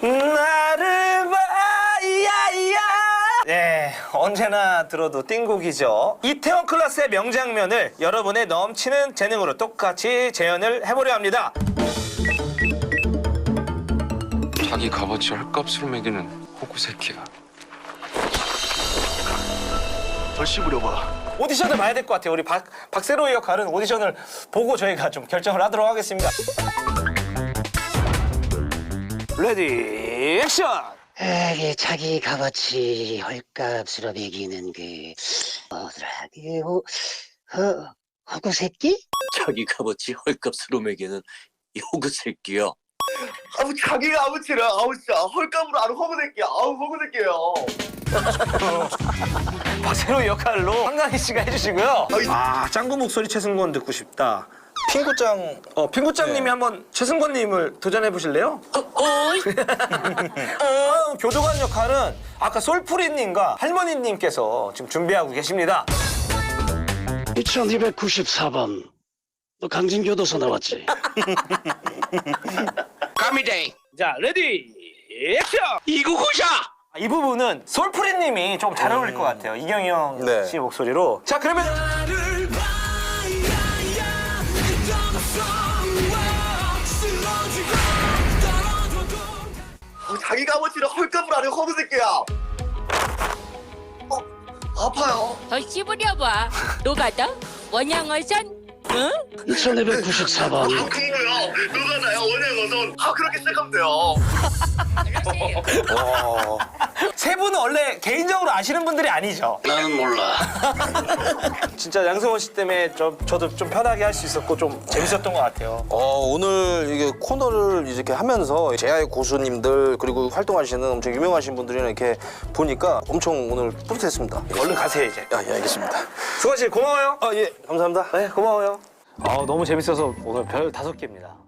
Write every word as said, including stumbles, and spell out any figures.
나를 봐, 이야이야. 네, 언제나 들어도 띵곡이죠. 이태원 클라스의 명장면을 여러분의 넘치는 재능으로 똑같이 재현을 해보려 합니다. 자기 값어치 헐값으로 매기는 호구 새끼야. 더 씹으려봐. 오디션을 봐야 될 것 같아요. 우리 박, 박세로의 역할은 오디션을 보고 저희가 좀 결정을 하도록 하겠습니다. 레디 액션! 에게 자기 값어치 헐값으로 매기는 그 뭐더라 그 호, 허, 호구 새끼? 자기 값어치 헐값으로 매기는 이 호구 새끼야. 아우 자기가 아무치를 아우 진짜 헐값으로 아는 허구 새끼야. 아우 허구 새끼예요. 박세로의 역할로 한강희 씨가 해주시고요. 아, 짱구 목소리 최승권 듣고 싶다. 핑구짱, 어, 핑구짱님이 네. 한번 최승권님을 도전해 보실래요? 어, 교도관 역할은 아까 솔프리님과 할머니님께서 지금 준비하고 계십니다. 이천이백구십사 번 너 강진교도소 나왔지? 까미데이 자, 레디 액션! 이구구샤. 아, 이 부분은 솔프리님이 좀 잘 어울릴 것 같아요. 이경영 네. 씨 목소리로. 자, 그러면 아우, 자기가 아무치를 헐값으로 아는 허구 새끼야. 어 아파요. 더 씹으려봐. 노가다? 원양어선? 응? 이천이백구십사 번 아 그거요. 누가 나요 원해거든. 아 그렇게 시작하면 돼요. 어. 세 분은 원래 개인적으로 아시는 분들이 아니죠? 나는 몰라. 진짜 양승원 씨 때문에 좀, 저도 좀 편하게 할 수 있었고 좀 재밌었던 것 같아요. 어, 오늘 이게 코너를 이렇게 하면서 제아의 고수님들 그리고 활동하시는 엄청 유명하신 분들이랑 이렇게 보니까 엄청 오늘 뿌듯했습니다. 얼른 가세요 이제. 아, 예, 알겠습니다. 승원 씨 고마워요. 아, 예, 감사합니다. 네, 고마워요. 아, 너무 재밌어서 오늘 별 다섯 개입니다.